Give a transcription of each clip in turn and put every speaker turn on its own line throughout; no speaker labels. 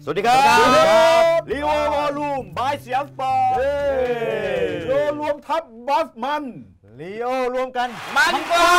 สวัสดีครับลีโอวอลลุ่มบายเสียงสปอร์ต
โลรวมทัพบอสมัน
ลีโอรวมกัน
มันกว่า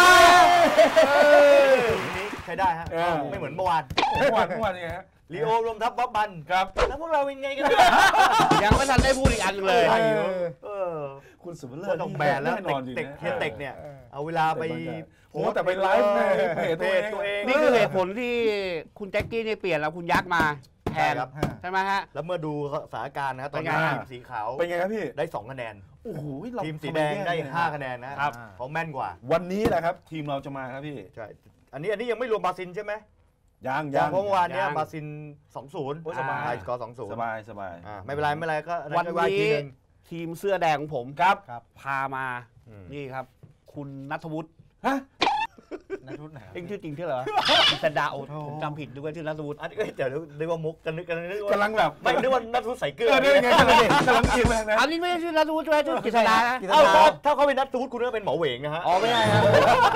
นี้ใช้ได้ฮะไม่เหมือนเมื่อวาน
ยังไงฮะ
ลีโอรวมทัพบอสมัน
ครับ
แล้วพวกเราเป็นไงกัน
ยังไม่ทันได้พูดอีกอันเลย
คุณสุภเลิศต้องแบนแล้วเต็กเนี่ยเอาเวลาไป
โอ้แต่ไปไลฟ์ในเพจตัวเอง
นี่คือเหตุผลที่คุณแจ็คกี้เนี่ยเปลี่ยนแล้วคุณยักษ์มาแทนใช่ไหมฮะ
แล้วเมื่อดูสถานการณ์นะตอนนี้ทีมสีขาว
เป็นไงครับพี่
ได้2คะแนน
โอ้โห
ทีมสีแดงได้5คะแนนนะครับเขาแม่นกว่า
วันนี้แหละครับทีมเราจะมาครับพี่
ใช่อันนี้ยังไม่รวมบาซินใช่ไหม
ยัง
เพราะเมื่อวานนี้บาซิน 2-0
สบาย
สกอร์ 2-0
สบาย
ไม่เป็นไรก็
วันนี้ทีมเสื้อแดงของผม
ครับ
พามานี่ครับคุณณัฐวุฒิ
ฮะ
ณัฐวุฒิไหน
เอ็งชื่อจริงชื่ออะไรสันดาโอผมจำผิดด้วยชื่อณัฐวุฒิ
อันนี้เดี๋ยวนึกว่ามุกกันนึก
กำลังแบบ
ไม่นึกว่าณัฐวุฒิใส่เกลือ
นี่ไงกำลังกินแรงนะ
อันนี้ไม่ใช่ชื่อณัฐวุฒิใช่ชื่อกิษณา
ถ้าเขาเป็นณัฐวุฒิคุณก็เป็นหมอเหวงนะฮะ
อ๋อไม่ใช่ครับ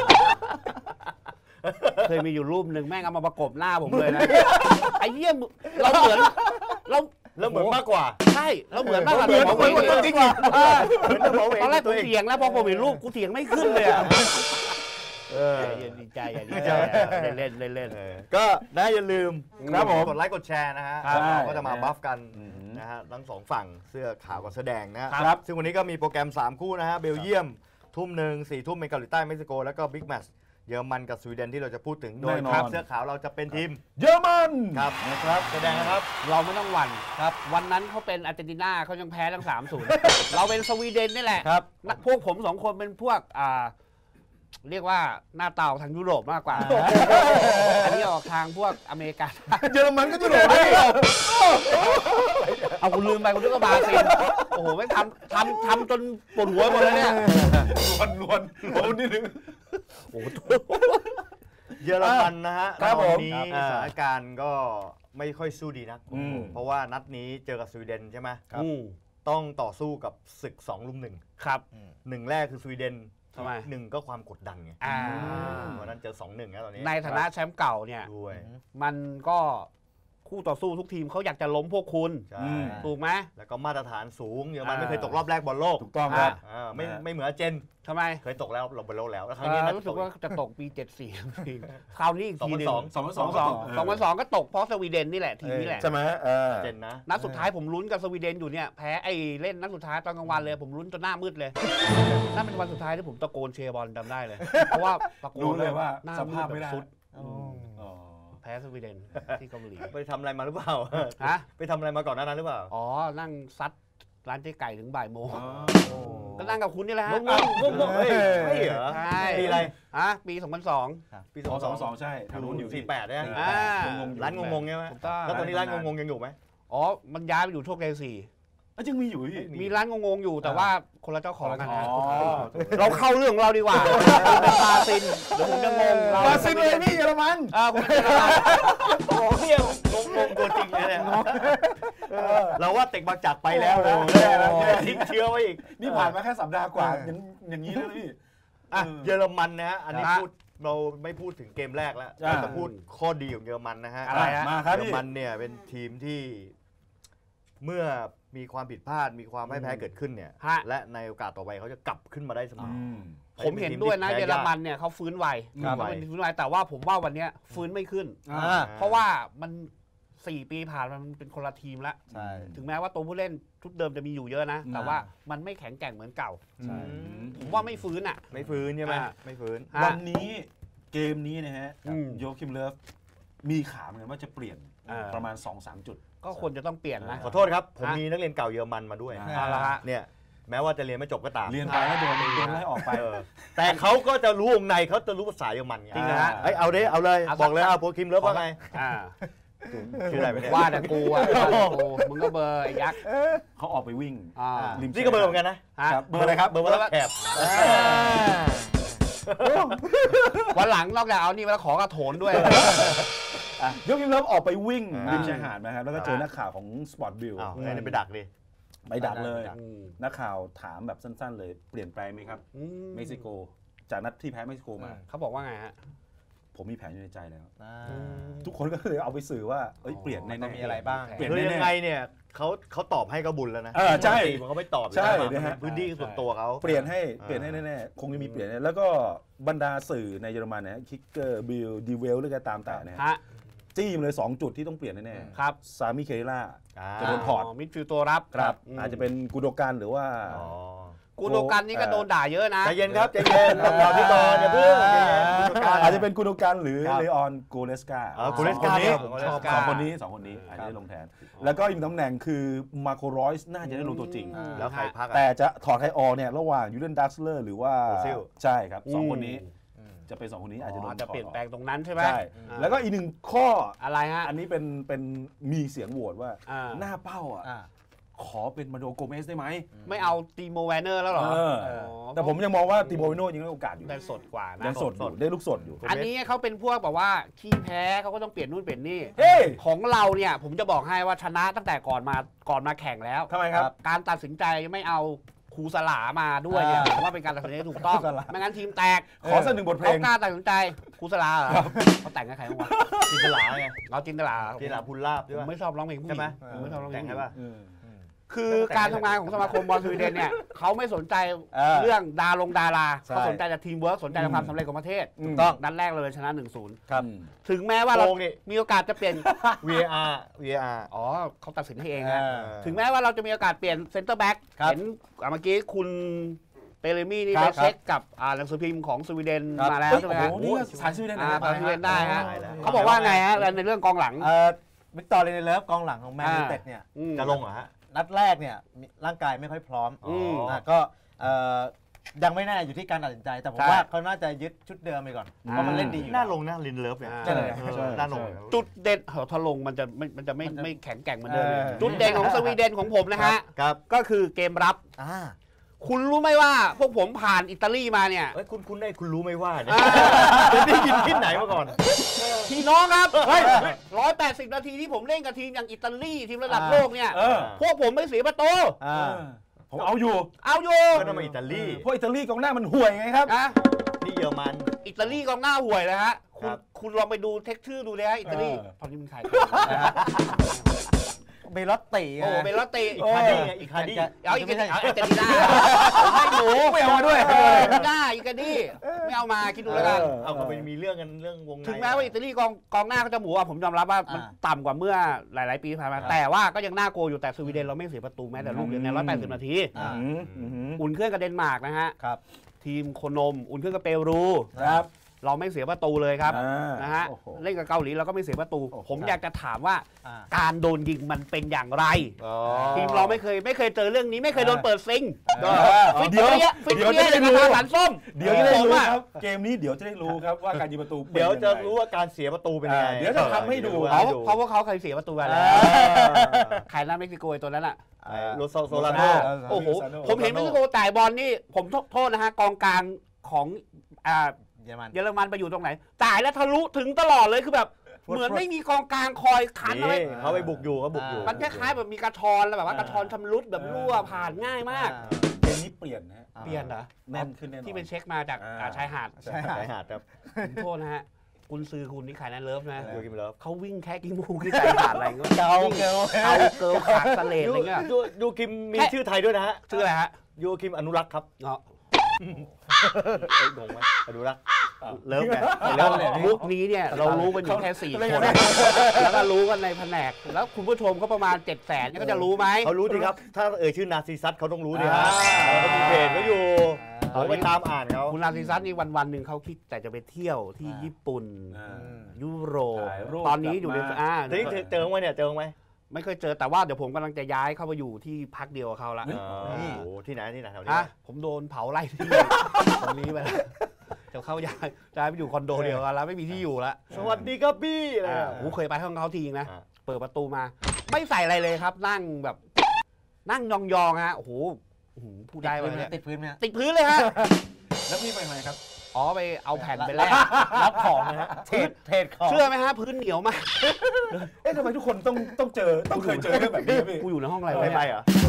เคยมีอยู่รูปหนึ่งแม่งเอามาประกบหน้าผมเลยนะไอ้เยี่ยมเราเหมือน
มากกว่า
ใช่เราเหมือนมากกว่า
เหมือนจริง
ตอนแรกกูเถียงแล้วพอผมเห็นรูปกูเถียงไม่ขึ้นเลยอ่ะดีใจเล่น
ก็อย่าลืม
ครับผม
กดไลค์กดแชร์นะฮะก็จะมาบัฟกันนะฮะทั้งสองฝั่งเสื้อขาวกับเสื้อแดงนะครับซึ่งวันนี้ก็มีโปรแกรม3คู่นะฮะเบลเยียมทุ่ม 1 4 ทุ่มเป็นเกาหลีใต้เม็กซิโกแล้วก็บิ๊กแมตช์เยอรมันกับสวีเดนที่เราจะพูดถึงโดยครับเสื้อขาวเราจะเป็นทีม
เยอรมัน
ครับนะครับแสดงนะครับ
เราไม่ต้องหวั่นครับวันนั้นเขาเป็นอาร์เจนตินาเขายังแพ้ทั้ง 3-0 เราเป็นสวีเดนนี่แหละ
ครับ
พวกผม2คนเป็นพวกเรียกว่าหน้าเตาทางยุโรปมากกว่าอันนี้ออกทางพวกอเมริกา
เยอรมันก็ยุโรป
เอาคุณลืมไปคุณนึกว่าบราซิลโอ้โหไม่ทำจนปวดหัวหมดเลยเนี่ย
ลวนนิดนึง
โอ้โห
เยอรมันนะฮะ
ครับผม
สถานการณ์ก็ไม่ค่อยสู้ดีนักเพราะว่านัดนี้เจอกับสวีเดนใช่ไหมต้องต่อสู้กับศึก2-1
ครับ
1แรกคือสวีเดน1ก็ความกดดันไงวันนั้นเจอ 2-1 นะตอนนี้
ในฐานะแชมป์เก่าเนี่ยมันก็คู่ต่อสู้ทุกทีมเขาอยากจะล้มพวกคุณถูกไหม
แล้วก็มาตรฐานสูงเยอรมันไม่เคยตกรอบแรกบอลโลก
ถูกต้องครับ
ไม่เหมือนอาร์เจน
ทำไม
เคยตกแล้วบอลโลกแล้ว
ครั้งนี้รู้สึกว่าจะตกปี74คราวนี้อีกทีนึง2002ก็ตกเพราะสวีเดนนี่แหละทีนี้แหละ
ใช่ไหม
เจนนะ
นัดสุดท้ายผมลุ้นกับสวีเดนอยู่เนี่ยแพ้ไอ้เล่นนัดสุดท้ายตอนกลางวันเลยผมลุ้นจนหน้ามืดเลยนั่นเป็นวันสุดท้ายที่ผมตะโกนเชียร์บอลจำได้เลยเพราะว่าตะโกน
เลยว่าสภาพไม่ได้
แพ้สวีเดนที่เกาหลี
ไปทำอะไรมาหรือเปล่า
ฮะ
ไปทำอะไรมาก่อนหน้านั้นหรือเปล่า
อ๋อนั่งซัดร้านเจ๊ไก่ถึงบ่ายโมงก็นั่งกับคุณนี่แหละฮะ
งงไม่เหรอ
ใช่
ปีอะไร
ปี
2002
ปี2002ใช่
ทางนู้นอยู่48เนี่ยร้านงงใช่ไหมแล้วตอนนี้ร้านงงยังอยู่ไหม
อ๋อมันย้ายไปอยู่โชคชัย4
ยังมีอยู่
มีร้านงงอยู่แต่ว่าคนละเจ้าของกันนะเราเข้าเรื่องของเราดีกว่าเป็นบาซินเดี๋ยวผมจะงง
บาซินเลยพี่เยอรมัน
คุณเยอรมัน
โอ้เฮียงงตัวจริงเลยเนี่ยเราว่าเต็กบางจากไปแล้วนะทิ้งเชื้อไว้อีก
นี่ผ่านมาแค่สัปดาห์กว่าอย่างนี้แล้วพี่
เยอรมันนะฮะอันนี้พูดเราไม่พูดถึงเกมแรกแล้วเราจะพูดข้อดีของเยอรมันนะฮะเยอรมันเนี่ยเป็นทีมที่เมื่อมีความผิดพลาดมีความไม่แพ้เกิดขึ้นเนี่ยและในโอกาสต่อไปเขาจะกลับขึ้นมาได้เสมอ
ผมเห็นด้วยนะเยอรมันเนี่ยเขาฟื้นไวแต่ว่าผมว่าวันนี้ฟื้นไม่ขึ้นเพราะว่ามัน4 ปีผ่านมันเป็นคนละทีมแล้วถึงแม้ว่าตัวผู้เล่นชุดเดิมจะมีอยู่เยอะนะแต่ว่ามันไม่แข็งแกร่งเหมือนเก่าผมว่าไม่ฟื้น
ไม่ฟื้นใช่ไหมไม่ฟื้น
วันนี้เกมนี้นะฮะโยคิมเลิฟมีข่าวเหมือนกันว่าจะเปลี่ยนประมาณ 2-3 จุด
ก็ควรจะต้องเปลี่ยนนะ
ขอโทษครับผมมีนักเรียนเก่าเยอรมันมาด้วยเนี่ยแม้ว่าจะเรียนไม่จบก็ตาม
เรียนไปแล้วโดนไล่ออกไป
แต่เขาก็จะรู้วงในเขาจะรู้ภาษาเยอรมันไง
จริงนะฮะ
เอาเลยบอกเลยโปรคิมเลิฟว่าไงชื่ออะไรไม่ได้
ว่าแต่กูมึงก็เบอร์ไอ้ยักษ์
เขาออกไปวิ่ง
นี่ก็เบอร์เหมือนกันนะ
เบอร์อะไรครับ
เบอร์ว่าแอบ
วันหลังนอกจากเอานี่มาแล้วขอกระโถนด้วย
ยกยิ้มเริ่มออกไปวิ่งริมชายหาดนะครับแล้วก็เจอนักข่าวของสปอร์ตบิล
นี่ไปดักดิ
ไปดักเลยนักข่าวถามแบบสั้นๆเลยเปลี่ยนแปลงไหมครับเม็กซิโกจากนัดที่แพ้เม็กซิโกมา
เขาบอกว่าไงฮะ
ผมมีแผนอยู่ในใจแล้วทุกคนก็เลยเอาไปสื่อว่าเปลี่ยนใน
มีอะไรบ้าง
เปลี่ยน
คือ
แน่
ยังไงเนี่ยเขาตอบให้ก็บุญแล้วนะ
ใช่
มันเขาไม่ตอบ
ใช่
นะฮะพื้นที่ส่วนตัวเขา
เปลี่ยนให้แน่ๆคงจะมีเปลี่ยนแล้วก็บรรดาสื่อในเยอรมันนะคิกเกอร์บิลดีเวลหรือก็ตามแต่นะจี้มาเลย2จุดที่ต้องเปลี่ยนแน่ๆ
ครับ
ซามิเคล่าจะโดนถอด
มิดฟิลด์ตัวรับ
ครับอาจจะเป็นกูโดกันหรือว่า
กูโดกันนี่ก็โดนด่าเยอะนะ
ใจเย็นครับใจเย็นต้องรอพี่บอลอย่าเพิ่ง
อาจจะเป็นกูโดกันหรือเลออนโกเลสกา
กูเลสกาเนี่ยผมชอบ
สองคนนี้อาจจะได้ลงแทนแล้วก็อีกตำแหน่งคือมาโครอยส์น่าจะได้ลงตัวจริง
แล้วใครพัก
แต่จะถอดใครออกเนี่ยระหว่างยูเดนดัสเลอร์หรือว่าใช่ครับ2คนนี้จะเป็น2คนนี้อาจจะโดน
จะเปลี่ยนแปลงตรงนั้นใช่ไหม
ใช่แล้วก็อีก1ข้อ
อะไรฮะ
อันนี้เป็นมีเสียงโหวตว่าหน้าเป้าขอเป็นมาโดโกเมสได้ไหม
ไม่เอาตีโมแวนเนอร์แล้วหรอ
แต่ผมยังมองว่าตีโมแวนเนอร์ยังได้โอกาสอยู่
ได้สดกว่านะ
ยังสดได้ลูกสดอยู่
อันนี้เขาเป็นพวกแบบว่าขี้แพ้เขาก็ต้องเปลี่ยนนู่นเปลี่ยนนี่ของเราเนี่ยผมจะบอกให้ว่าชนะตั้งแต่ก่อนมาแข่งแล้ว
ทำไมครับ
การตัดสินใจไม่เอาครูสลามาด้วยเนี่ยผมว่าเป็นการตัดสินใจถูกต้องไม่งั้นทีมแตก
ขอสักหนึ่งบทเพลง
เขากล้าตัดสินใจครูสลาเขาแต่งกับใครบ้างวะ
จินตลาไง
เราจินตลา
พูลลาบ
ผมไม่ชอบร้องเพลงผู้หญิงผมไม่ชอบร้องเพลง
ใช่ป่ะ
คือการทำงานของสมาคมบอลสวีเดนเนี่ยเขาไม่สนใจเรื่องดาราเขาสนใจแต่ทีมเวิร์กสนใจความสำเร็จของประเทศต้องนัดแรกเลยชนะ 1-0
ครับ
ถึงแม้ว่าเรามีโอกาสจะเปลี่ยน
VAR
อ๋อเขาตัดสินให้เองนะถึงแม้ว่าเราจะมีโอกาสเปลี่ยนเซนเตอร์แบ็กเห็นเมื่อกี้คุณเปเรมี่นี่ไปเช็คกับหนังสือพิมพ์ของสวีเดนมาแล้วใช่ไหมฮะ
สายสวีเดน
สายสวีเดนได้ฮะเขาบอกว่าไงฮะในเรื่องกองหลัง
วิกตอร์เรเนเลิฟกองหลังของแมนยูเต็ดเนี่ย
จะลงเหรอฮะ
นัดแรกเนี่ยร่างกายไม่ค่อยพร้อมก็ยังไม่แน่อยู่ที่การตัดสินใจแต่ผมว่าเขาน่าจะยึดชุดเดิมไปก่อนเพราะมันเล่นดี
น่าลงนะลินเลิฟเนี่ยน่าลง
จุดเด่นถ้าลงมันจะไม่แข็งแกร่งเหมือนเดิมจุดเด่นของสวีเดนของผมนะฮะก็คือเกมรับคุณรู้ไหมว่าพวกผมผ่านอิตาลีมาเนี่ย
คุณรู้ไหมว่าเนี่ยได้ยินที่ไหนมาก่อน
พี่น้องครับ180 นาทีที่ผมเล่นกับทีมอย่างอิตาลีทีมระดับโลกเนี่ยพวกผมไม่เสียประตู
ผมเอาอยู่
ก็ต้องมาอิตาลี
เพราะอิตาลีกองหน้ามันห่วยไงครับ
นี่เยอรมัน
อิตาลีกองหน้าห่วยนะฮะคุณลองไปดูเท็กชื่อดูเลยฮะอิตาลีตอนนี้มันใคร
เบลอตติ
เบลอตติ
อีกคาดี้
เอาอีกคาดี้เจนน่าไม่หนู
ไม่เอามาด้วย
ได้อีกคาดี้ไม่เอามาคิดดูแล้วกัน
เอาไปมีเรื่องกันเรื่องวงใน
ถึงแม้ว่าอิตาลีกองหน้าเขาจะหมูผมยอมรับว่ามันต่ำกว่าเมื่อหลายๆปีผ่านมาแต่ว่าก็ยังน่ากลัวอยู่แต่สวีเดนเราไม่เสียประตูแม้แต่ลูกเดียวใน180 นาทีอุ่นเครื่องกับเดนมาร์กนะฮะทีมโคนมอุ่นเครื่องกับเปรูเราไม่เสียประตูเลยครับนะฮะเล่นกับเกาหลีเราก็ไม่เสียประตูผมอยากจะถามว่าการโดนยิงมันเป็นอย่างไรทีมเราไม่เคยเจอเรื่องนี้ไม่เคยโดนเปิดซิง
เดี๋ยวจะได้รู้
สันส้ม
เดี๋ยวจะได้รู้ครับเกมนี้เดี๋ยวจะได้รู้ครับว่าการยิงประตู
เดี๋ยวจะรู้ว่าการเสียประตูเป็นยังไง
เดี๋ยวจะทำให้ดู
เพราะว่าเขาเคยเสียประตูไปแล้วใครน่าเม็กซิโกตัวนั้นอ่ะ
โรโซลาโน
โอ้โหผมเห็นเม็กซิโกจ่ายบอลนี่ผมโทษนะฮะกองกลางของเยอรมันไปอยู่ตรงไหนจ่ายแล้วทะลุถึงตลอดเลยคือแบบเหมือนไม่มีกองกลางคอยคันเอาไว้
เขาไปบุกอยู่
มันคล้ายๆแบบมีกระชอนแล้วแบบว่ากระชอนชำรุดแบบรั่วผ่านง่ายมาก
เกมนี้เปลี่ยนนะ
เปลี่ยนเหรอ
แน่นขึ้นแน่นอน
ที่เป็นเช็คมาจากชายหาด
ครับ
โทษนะฮะกุนซือคุณนี่ขายนั่นเลิฟนะ
กิมเลิฟ
เขาวิ่งแค่กิ้งมูที่ชายหาดอะไรเงี้ย
เกาเ
กิลขาดสเลดอะไรเงี้ย
ยูคิมมีชื่อไทยด้วยนะฮะ
ชื่ออะไรฮะ
ยูคิมอนุรักษ์ครับงงไหมดูละเลิฟไง
มุกนี้เนี่ยเรารู้กันอยู่แค่4 คนแล้วก็รู้กันในแผนกแล้วคุณผู้ชมก็ประมาณ 700,000 ก็จะรู้ไหม
เขารู้ดีครับถ้าชื่อนาซิซัสเขาต้องรู้ดีฮะเขามีเพจเขาอยู่เขาไปตามอ่านเขา
คุณนาซิซัสนี่วันๆหนึ่งเขาคิดแต่จะไปเที่ยวที่ญี่ปุ่นยุโรปตอนนี้อยู่ใน
เจอไหมเนี่ยเจอไหม
ไม่เคยเจอแต่ว่าเดี๋ยวผมกำลังจะย้ายเข้าไปอยู่ที่พักเดียวกับเขาละ
ที่ไหนแถวนี้
ผมโดนเผาไล่ที่ตรงนี้ไปแล้วจะเข้าย้ายไปอยู่คอนโดเดียวกันแล้วไม่มีที่อยู่แล้ว
สวัสดีครับพี่
ผมเคยไปห้องเขาทีนะเปิดประตูมาไม่ใส่อะไรเลยครับนั่งแบบนั่งยองๆฮะโอ้โหพูดได้ไหม
ติดพื้นไหม
ติดพื้นเลยฮะ
แล้วพี่ไปไหนครับ
อ๋อไปเอาแผ่นไปแลก
รับของนะฮะเทรดของ
เชื่อไหมฮะพื้นเหนียวมาก
ทำไมทุกคนต้องเคยเจอเรื่องแบบนี้พี่
กูอยู่ในห้องอะไร
ไม่ไปเหรอ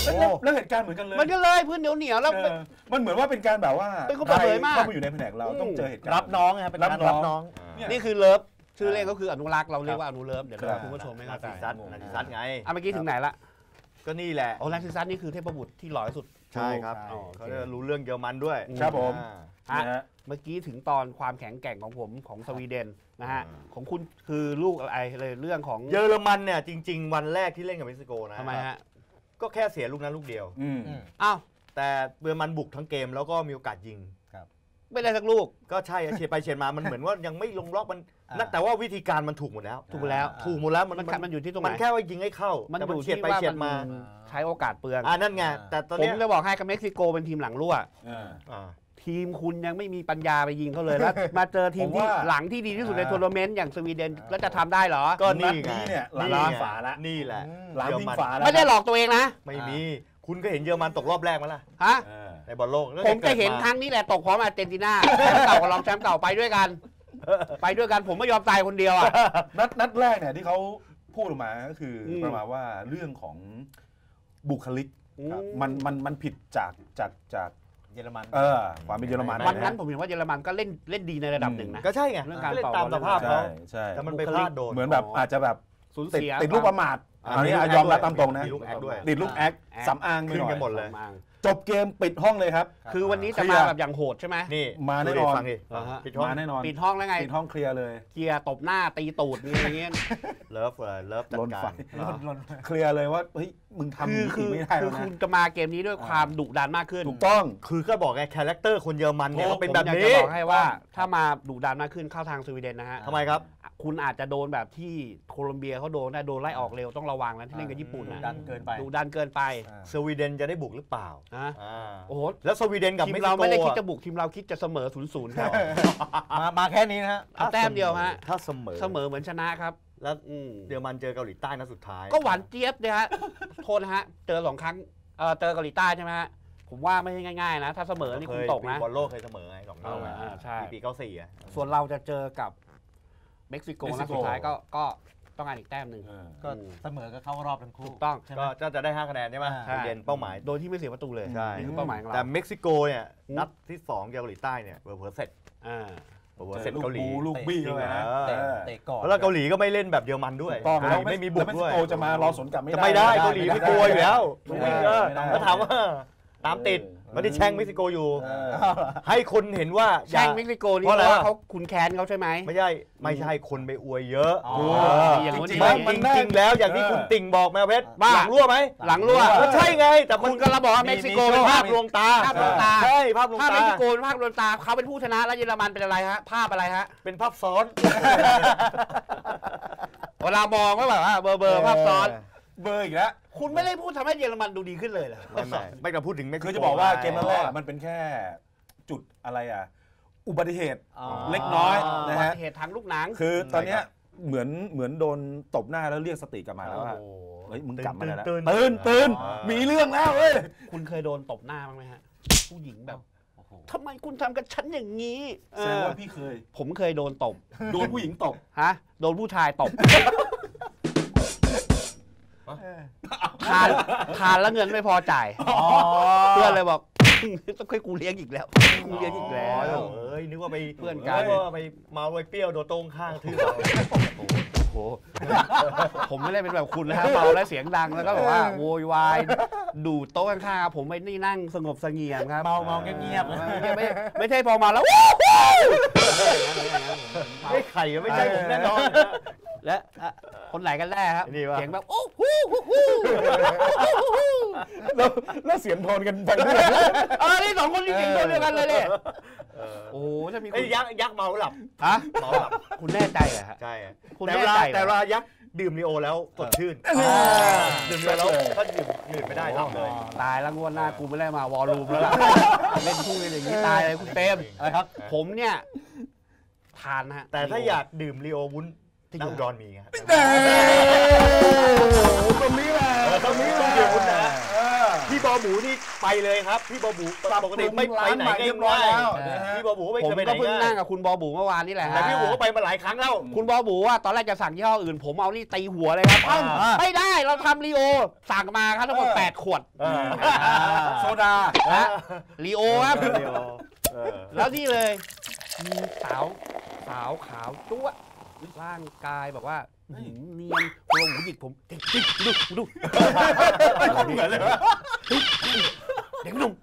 แล้วเหตุการณ์เหมือนกันเลย
มันก็เลยพื้นเหนียวแล้ว
มันเหมือนว่าเป็นการแบบว่า
เป็นคนเปิดเผยมาก
เข้ามาอยู่ในแผนกเราต้องเจอเหตุการณ์
รับน้องนะครับเป็นการรับน้อง
นี่คือเลิฟชื่อเล่นก็คืออนุรักษ์เราเรียกว่าอนุเลิฟเดี๋ยวคุณผู้ชมไม่
นา
เข้าใจ
ซิซัสนาซิซัสไง
เมื่อกี้ถึงไหนละ
ก็นี่แหละ
โอ้นาซิซัสนี่คือเทพบุตรที่หล่อที่สุด
ใช่ครับ
อ๋อ
เขาจะรู้เรื่องเยอรมันด้วย
ครับผม
อ่า
นะฮะ
เมื่อกี้ถึงตอนความแข็งแกร่งของผมของสวีเดนนะฮะ
อ่า
ของคุณคือลูกอะไรเลยเรื่องของ
เยอรมันเนี่ยจริง ๆ วันแรกที่เล่นกับเม็กซิโกนะ
ทำไมฮะ
ก็แค่เสียลูกนั้นลูกเดียว
อ้าว
แต่เยอรมันบุกทั้งเกมแล้วก็มีโอกาสยิง
ไม่ได้สักลูก
ก็ใช่เฉียดไปเฉียดมามันเหมือนว่ายังไม่ลงล็อกมันแต่ว่าวิธีการมันถูกหมดแล้ว
ถูกแล้ว
ถูกหมดแล้ว
มันอยู่ที่ตรงไหน
มันแค่ว่ายิงให้เข้า
มัน
แต่
อยู่
เฉียด
ที่
ไป
ว่า
เฉียดมา
ใช้โอกาสเปลือง
นั่นไงแต่ตอน
ผม
เนี้ย
จะบอกให้กับเม็กซิโกเป็นทีมหลังรั่ว
อ่า
ทีมคุณยังไม่มีปัญญาไปยิงเขาเลยแล้วมาเจอทีมที่
ผมว่า
หลังที่ดีที่สุดในทัวร์นาเมนต์อย่างสวีเดนแล้วจะทำได้เหรอ
ก็นี่ไง
นัดนี้เนี่ยหลาน
นี่
พิง
ไง
ฝาละ
นี่แหละ
หลานพิงฝาละ
ไม่ได้หลอกตัวเองนะ
ไม่มี คุณก็เห็นเยอรมันตกรอบแรกมั้ยล่ะ
ฮะ
ในบอลโลกแล้ว
ผมจะเห็น
กิดา
ครั้งนี้แหละตกพร้อมอาร์เจนตินาแชมป์เก่ากับรองแชมป์เก่าไปด้วยกัน ไปด้วยกันผมไม่ยอมตายคนเดียวอ่ะ
นัดแรกเนี่ยที่เขาพูดออกมาก็คืออ
ม
ประมาณว่าเรื่องของบุคลิก
ครับ
มันผิดจาก
เยอรมัน
ความเป็นเยอรมัน
วันนั้นผมเห็นว่าเยอรมันก็เล่นดีในระดับหนึ่งนะ
ก็ใช่ไง
เรื่องการ
ก็เล่น
ต่อ
ตามสภาพ
ใช่
เขา
ใช่
แต่มันไปพลาดโดน
เหมือนแบบอาจจะแบบ
สูญ
ติด
เสีย
ติดลูกประมาท
อ่า
อันนี้
มีลูก
ยอมรับ
แอคด้วย
ตามตรงนะ
มีลูกแอคด้วย
ติดลูกแอคสำอางไป
ขึ้น
หน่อ
กัน
ย
หมดเลย
จบเกมปิดห้องเลยครับ
คือวันนี้จะ
เคลี
มาย
ร์
แบบอย่างโหดใช่ไหม
นี่
มาแน่
ดู
น
ดิ
อน
ฟังดิ
อ่าฮะ
ปิดห้อง
มาแน่นอน
ปิดห้องแล้วไง
ปิดห้องเคลียร์เลย
เกียร์ตบหน้าตีตูดอะไรอย่างเงี้ย
เลิฟเลยเลิฟจัด
ล้น
กา
ไฟ
ร
เคลียร์เลยว่าเฮ้ยมึงทำ
คือ
ไม่ได้
คื
แล้
อ
วนะ
คุณจะมาเกมนี้ด้วยความดุดันมากขึ้น
ถูกต้อง
คือก็บอกไงคาแรคเตอร์คนเยอรมันเนี่ยเขาเป็น
ผม
แบบ
อยากจะ
นี้
บอกให้ว่าถ้ามาดุดันมากขึ้นเข้าทางสวีเดนนะฮะ
ทำไมครับ
คุณอาจจะโดนแบบที่โคลอมเบียเขาโดนได้โดนไล่ออกเร็วต้องระวังนะที่เล่นกับญี่ปุ่นนะ
ดันเกินไป
ดุดันเกินไป
สวีเดนจะได้บุกหรือเปล่า
นะ
อ่า
โอ้โห
แล้วสวีเดนกับ
ที
เม็
ม
กซิ
เรา
โก
ไม่ได้คิด
อะ
จะบุกทีมเราคิดจะเสมอ0-0ครับ
มาแค่นี้นะฮะ
เอาแต้มเดียวฮะ
ถ้าเสมอ
เสมอเหมือนชนะครับ
แล้ว
อืม
เยอรมันเจอเกาหลีใต้นัดสุดท้าย
ก็หวานเจี๊ยบเนี่ยฮะ โทษนะฮะเจอ2 ครั้งเจอเกาหลีใต้ใช่ไหมฮะผมว่าไม่ใช่ง่ายๆนะ ถ้าเสมอนี่คุณตกนะ
บอลโลกเคยเสมอไง2 รอบอะ
ใช่
ปี94อ่ะ
ส่วนเราจะเจอกับเม็กซิโกนัดสุดท้ายก็ต้องการอีกแต้มหนึ่ง
ก็เสมอก็เข้ารอบทั้งคู่
ถูกต้อง
ใช่ไหม
ก็จะได้5 คะแนนใช่ไหม
ใช่
สวีเดนเป้าหมาย
โดยที่ไม่เสียประตูเลย
ใช่
นี่คือเป้าหมายของ
แต่
เรา
เม็กซิโกเนี่ยนัดที่2เกาหลีใต้เนี่ยเผลอๆเสร็จ
อ่า
เผลอๆเสร็จเกาหลี
ลูกบี้เข้าไปนะ
เตะก่อน
แล้วเกาหลีก็ไม่เล่นแบบเยอรมันด้วย
ต้อง
ไม่มีบุก
แล้วเม็ก
ด้
ซิ
วย
โกจะมารอสวนกลับไม่
จะ
ได้
ไม่ได้เกาหลีไม่กลัวอยู่แล้ว
ไม่
วิ่ง
ได้
แล้วถามว่าตามติดไม่ได้แช่งเม็กซิโกอยู่
เออ
ให้คนเห็นว่าอย่า
แช่งเม็กซิโกนี่
เพราะอะไร
เพราะว่าเขาคุณแค้นเขาใช่ไหม
ไม่ใช่คนไปอวยเยอะ
อ๋อ
อย่างนู้น
จริง
ไม่
ๆมันได้
จริงๆแล้วอย่างที่คุณติ่งบอกแมวเพชร
ว่า
หลังรั่วไหม
หลังรั่ว
ก็ใช่ไงแต่
คุณก็ระบอกว่าเม็กซิโกเป็น
ภา
ภา
พ
พ
ลวงตา
ภาพลวงตา
ใช่ภาพลวง
ภาพ
ตา
เม็กซิโกเป็นภาพลวงตาเขาเป็นผู้ชนะแล้วเยอรมันเป็นอะไรฮะภาพอะไรฮะ
เป็นภาพซ้อน
เวลามองก็แบบว่าเบอร์ภาพซ้อน
เบอร์อีกแล้ว
คุณไม่ได้พูดทำให้เยอรมันดูดีขึ้นเลยเหรอ
ไม่ต้องพูดถึงเม็กซิโก
คือจะบอกว่าเกมแรกมันเป็นแค่จุดอะไรอุบัติเหตุ
อ๋อ
เล็กน้อยนะฮะ
เหตุทางลูกหนัง
คือตอนเนี้ยเหมือนโดนตบหน้าแล้วเรียกสติกลับมาแล้วว่าเฮ้ยมึงกลับมาแล้วตื่นมีเรื่องแล้วเว้ย
คุณเคยโดนตบหน้าบ้างไหมฮะ ผู้หญิงแบบทำไมคุณทำกับฉันอย่างนี้
แสดงว่าพี่เคย
ผมเคยโดนตบ
โดนผู้หญิงตบ
ฮะโดนผู้ชายตบทานแล้วเงินไม่พอจ่ายเพื่อนเลยบอกต้องให้กูเลี้ยงอีกแล้วกูเลี้ยงอีกแล้ว
เอ้ยนึกว่าไป
เพื่อนกัน
นึว่าไปเมาไปเปรี้ยวโดนโต้งข้างทื่อเรา
โอ้โหผมไม่ได้เป็นแบบคุณนะฮะเมาแล้วเสียงดังแล้วก็แบบว่าโวยวายดูดโต๊ะข้างๆผมไม่นี่นั่งสงบเสงี่ยมครับ
เมาเงียบ
ไม่ใช่พอมาแล้ว
ไม่ไข่ก็ไม่ใช่ผมแน่นอน
และคนไหนกันแน่ครับ
นี่วะ
เสียงแบบโอ้ฮู้ฮู้ฮู้
แล้วเสียงโทนกันไปด้วย
นี่2 คนนี่เสียงตัวเดียวกันเลยเนี่ยโอ้ถ้ามี
ไอ้ยักษ์เมาหลับ
ฮะ
เมาหลับ
คุณแน่ใจเหรอฮะ
ใช่
คุณ
แต่
แน่
เวลา
ใจ
แต่เวลายักษ์ดื่มลีโอแล้วสดชื่นดื่มลีโอแล้วก็ดื่มไม่ได้หลับเลย
ตายแล้วงวดหน้ากูไม่ได้มาวอลลุ่มแล้วล่ะเล่นพูดกันอย่างนี้ตายเลยคุณเต็ม
ๆอะไรครับ
ผมเนี่ยทานนะฮะ
แต่ถ้าอยากดื่มลีโอวุ้นน้ำดอนมีครับ
ตรงนี้แหละ
ตรงนี้ต้องดื่มวุ้นนะพี่บอหมูนี่ไปเลยครับพี่บอหมูปกติไม่ไปไหนง่ายๆพี่บอหมูไม่เคยไปไหน
ผมก็เพิ่งนั่งกับคุณบอบูเมื่อวานนี่แหละ
แต่พี่บอหมูก็ไปมาหลายครั้งแล้ว
คุณบอบูว่าตอนแรกจะสั่งยี่ห้ออื่นผมเอานี่ตีหัวเลยครับไม่ได้เราทำลีโอสั่งมาครับทั้งหมด8 ขวดโซดาลีโอครับแล้วนี่เลยมีสาวขาวจั๊วร่างกายแบบว่าเนียนโครงหูหยิกผมดูเหมือนเลยเด็กหนุ่ม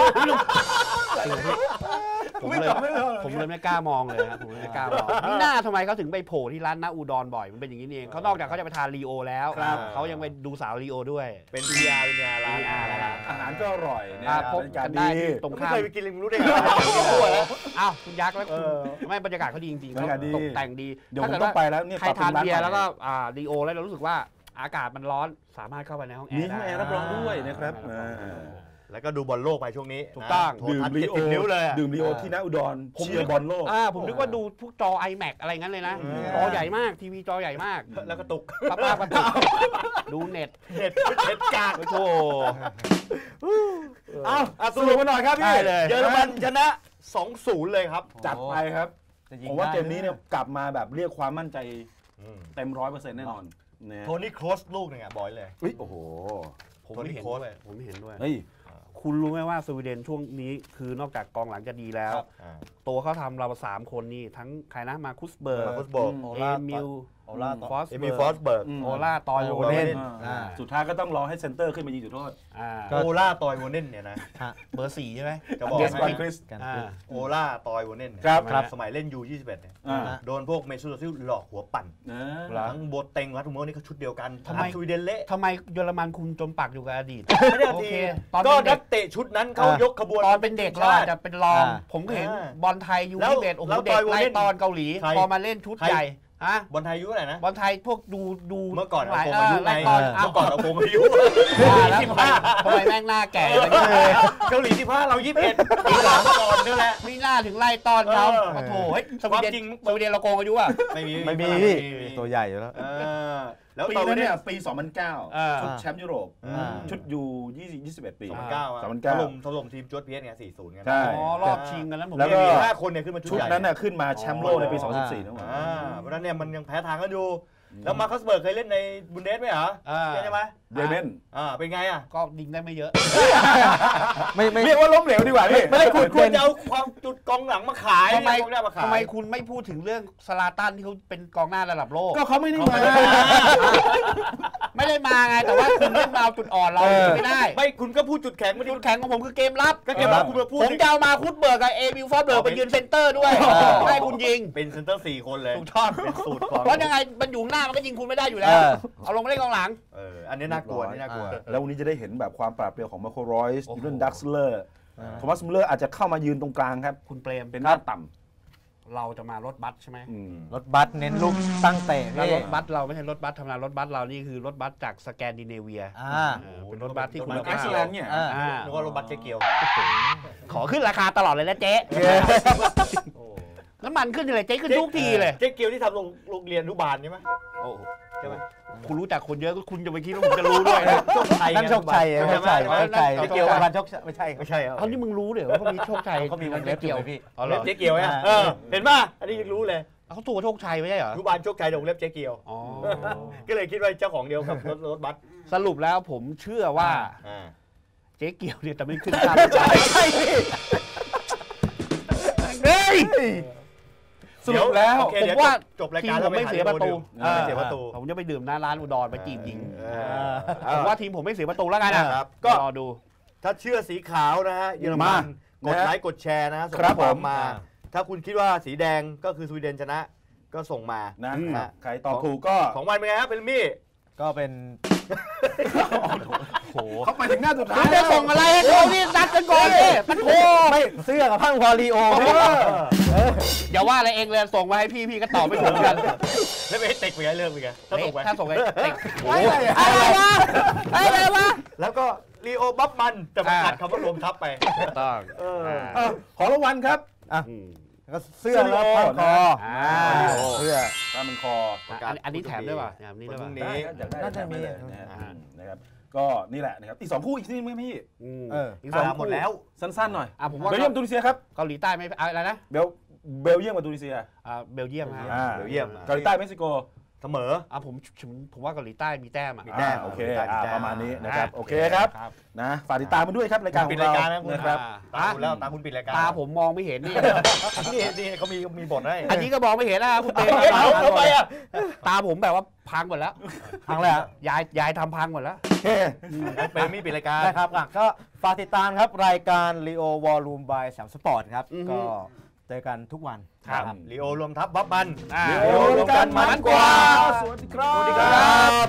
ผมเลยไม่กล้ามองเลยครับผมเลยไม่กล้ามองนี่หน้าทำไมเขาถึงไปโผล่ที่ร้านน้าอูดอนบ่อยมันเป็นอย่างนี้เองเขานอกจากเขาจะไปทานลีโอแล้วเขายังไปดูสาวลีโอด้วย
เป็น PR ร้าน
อาหารก็อร่อยนะ
พบกันได้ตรงข้าม
ไม่เคยไปกินเลยรู้ได้ไง
อ้าวคุณยักษ์แล้วคุณไม่บรรยากาศเขาดีจริงๆเขาตกแต่งดี
เดี๋ยวผมต้องไปแล้วเนี่ย
ใครทานเบียร์แล้วก็ลีโอแล้วเรารู้สึกว่าอากาศมันร้อนสามารถเข้าไปในห้องแอร์
มีห้องแอร์รับรองด้วยนะครับ
แล้วก็ดูบอลโลกไปช่วงนี้
ถูกต้อง
ดื่มลีโอดื่มลีโอที่น้าอุดรเชียร์บอลโลก
ผมนึกว่าดูพวกจอ iMac อะไรงั้นเลยนะจอใหญ่มากทีวีจอใหญ่มาก
แล้วก็ตุก
ป้าดูเน็ต
กาก
โอ้
สรุปมาหน่อยครับพี่
เยอรมันชนะ 2-0 เลยครับ
จัดไปครับผมว่าเกมนี้เนี่ยกลับมาแบบเรียกความมั่นใจเต็ม 100% แน่นอน
โทนี่โครสลูกหนึ่งบอยเลย
โอ้โห
ผมไม่เห็นด้วยคุณรู้ไหมว่าสวีเดนช่วงนี้คือนอกจากกองหลังจะดีแล้วตัวเขาทำเรา3 คนนี่ทั้งใครนะมาคุสเบิร์กเอมิลฟอส
เบิร์ก
โอล่าตอยโวเน่น
สุดท้ายก็ต้องรอให้เซนเตอร์ขึ้นมายิงจุดโทษ
โอล่าตอยโวเน่นเนี่ยนะ
เบอร์ 4ใช่ไหม
จะบอกโอล่าตอยโวเน่นครับสมัยเล่นยู21เนี่ยโดนพวกเมซูโตซิลหลอกหัวปั่นทั้งโบเต็งวัตถุโมนี่ก็ชุดเดียวกัน
ทำไม
สวีเดนเละ
ทำไมเยอรมันคุณจมปักอยู่กับอดีต
ไม่ได้ทีก็นักเตะชุดนั้นเขายกขบวน
ตอนเป็นเด็กเราอาจจะเป็นรองผมก็เห็นบอลไทยยู21โอ้โหเด็กไล่ตอนเกาหลีพอมาเล่นชุดใหญ่
บอลไทยอายุอะไรนะ
บอลไทยพวกดู
เมื่อก่อนเอาโกงอายุไงเมื่อก่อนเอาโกงอายุ
ทำไมแม่งหน้าแก่
เกาหลี15เรา21ปีหลังก่อนนี่แหละ
ไม่น่าถึงไล่ตอนเขาโถ่สวีเดนเราโกงอายุอ่ะ
ไม่มี
ตัวใหญ่อยู่แล้ว
แล้วปีนั้นเนี่ยปี 2009 ชุดแชมป์ยุโรปชุดยู21 ปี
ถล่มทีมจวดเพียสไง 4-0 กัน
รอบชิงกันนั้นผม
แล้วก็5 คนเนี่ยขึ้นมา
ชุดนั้นน่ะขึ้นมาแชมป์โลกในปี 2014นั่นหว่า
เพราะนั้นเนี่ยมันยังแพ้ทางกันอยู่แล้วมาคัสเบิร์กเคยเล่นในบุนเดสไหมเหรอใช่ไหม
เดเมน
เป็นไง
ก็ยิงได้ไม่เยอะ
ไม่เรียกว่าล้มเหลวดีกว่าพี่
ไม่ได้คุณจะเอาความจุดกองหลังมาขาย
ทำไมคุณไม่พูดถึงเรื่องสลาตันที่เขาเป็นกองหน้าระดับโลก
ก็เขาไม่ได้มา
ไงแต่ว่าคุณเล่นมาเอาจุดอ่อนเราไม่ได้
ไม่คุณก็พูดจุดแข็งไม่
จุดแข็งของผมคือเกมรับ
ก็เกมรับคุณมาพูด
ผมจะเอามาคุดเบิร์กกับเอมิลฟอร์เบิร์กไปยืนเซนเตอร์ด้วยให้คุณยิง
เป็นเซนเตอร์4 คนเลย
ถูกต้องเป็นสูตรเพราะยังไงมันอยู่หน้ามันก็ยิงคุณไม่ได้อยู่แล้วเอาลงมาเล่นกองหลัง
อันนี้น่ากลัว
แล้ววันนี้จะได้เห็นแบบความปราบเปรียวของมาโครอยส์ยูเรนดักซ์เลอร์โทมัสมิลเลอร์อาจจะเข้ามายืนตรงกลางครับ
คุณเปรม
เป็นหน้าต่
ำเราจะมารถบัสใช่ไหม
รถบัสเน้นลูกตั้งเตะ
รถบัสเราไม่ใช่รถบัสธรรมดารถบัสเรานี่คือรถบัสจากสแกนดิเนเวียเป็นรถบัสที่คุณภาพ
เนี่ย
นึกว่ารถบัสเจ๊เกียว
ขอขึ้นราคาตลอดเลยนะเจ๊น้ำมันขึ้นเลยเจ๊ขึ้นทุกทีเลย
เจ๊เกียวที่ทำโรงเรียนอนุบาลใช่ไหมใช่ไหม
คุณรู้จักคนเยอะคุณจะไปคิดว่าผมจะรู้ด้วยนะ
นั่นโชคชัยไม่ใช่เกี่ยวกับโชคไม่ใช่
เอานี่มึงรู้เดี๋ยวว่ามีโชคชัย
เขามีวงเล็บเกี่ยวพี่
เจ๊เกียวเนี่ยเห็นป่ะอันนี้ยังรู้เลย
เขาตัวโชคชัยไม่ใช่เหรอ
อนุบาลโชคชัยวงเล็บเจ๊เกียวก็เลยคิดว่าเจ้าของเดียวกับรถบัส
สรุปแล้วผมเชื่อว่าเจ๊เกียวเนี่ยแต่ไม่ขึ้นตาม
ใช่เฮ้ยสรุปแล้ว
ผมว่า
จบรายการ
ผมไม่เสียประตูผมจะไปดื่มหน้าร้านอุดรไปจีบหญิงผมว่าทีมผมไม่เสียประตูแล้วกันนะครับก็รอดู
ถ้าเชื่อสีขาวนะฮะเยอรมันกดไลค์กดแชร์นะส่งข้อความมาถ้าคุณคิดว่าสีแดงก็คือสวีเดนชนะก็ส่งมา
นะใครตอบถูกก็
ของวันเป็นไงครับเป็นมี่
ก็เป็น
โหเขาไปถึงหน้าสุดท้าย
จะส่งอะไรให้เขานี่นัดกันก่อนเลยมันโถ
ไม่เสื้อกับพังพอลีโอ
อย่าว่าอะไรเองเลยส่งมาให้พี่ก็ตอบไม่ถูกกัน
แล้วไปให้เต็กไปไงเรื่องไปไง
ถ้าส่งไปเต็ก
อะไรวะ
แล้วก็ลีโอบัฟมันแต่มันตัดคำว่ารวมทับไป
ต้อง
ขอรางวัลครับ
ก็เสื้อแล้วพันคอ
เสื้อผ้ามันคอ
อันนี้แถมด้วยป่ะนี่ด้วยป่ะ
น่าจะมีนะครับก็นี่แหละนะครับอีก2คู่อีกทีมั้ยพี่
อีก2หมดแล้ว
สั้นๆหน่อย
ผมว่า
เบลเยียมตูนิเซียครับ
เกาหลีใต้ไม่อะไรนะ
เบลเยียมกับตูนิเซีย
เบลเยียม
เบลเยียม
เกาหลีใต้เม็กซิโก
เสมอ
ผมว่าเกาหลีใต้มีแต้ม
มีแต้ม
โอเคประมาณนี้นะครับโอเคครับนะฝากติดตามมาด้วยครับรายการ
ปิดรายการ
นะครับ
ตาคุณแล้วตาคุณปิดรายการ
ตาผมมองไม่เห็นนี่
นี่เขามีบทให้
อันนี้ก็มองไม่เห็นนะคุณเต้
ทำไมอ่ะ
ตาผมแบบว่าพังหมดแล้ว
พังแล้ว
ยายทำพังหมดแล้ว
เป็นมีปิดรายการ
นะครับก็ฝากติดตามครับรายการ Leo Volume by 3 Sport ครับก็เจอกันทุกวัน
ครับลีโอรวมทัพบัฟมัน
ลีโอรวมกันมันกว่า
สวัสดีครับ